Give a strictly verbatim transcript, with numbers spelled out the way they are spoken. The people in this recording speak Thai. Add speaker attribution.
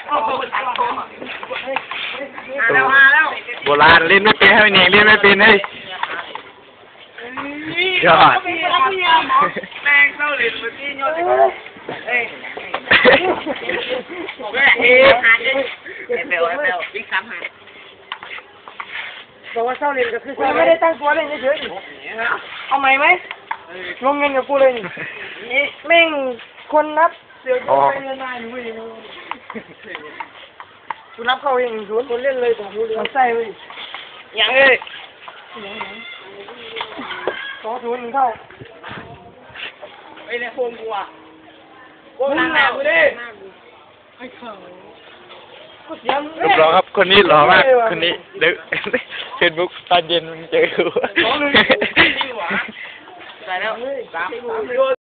Speaker 1: แล้วมาแล้วโบราณเล่นไม่เป็นให้เนงเล่นไม่เป็นเลยยอดแม่งเข้าเล่นเมื่อกี้ยอดเอ้ยโอเคเฮ้ยหาเจ๊เบลเบลวิ่งซ้ำหาบอกว่าเศร้าเล่นก็คือไม่ได้ตั้งตัวเล่นเฉยๆเอาใหม่ไหมลงเงินกับกูเลยนี่แม่งคนนับเสียใจไปเงินนายหนูเองกูนับเข้าเองศูนย์คนเล่นเลยแต่กูเลี้ยงไส้เว้ยยังเอ้ยสองศูนย์หนึ่งเท่าไอ้เนี่ยโคมกูอ่ะโคมหนากูดิไอ้เขารูปหล่อครับคนนี้หล่อมากคนนี้เด็กเฟซบุ๊กตอนเย็นมันเจอกูใส่แล้วสาม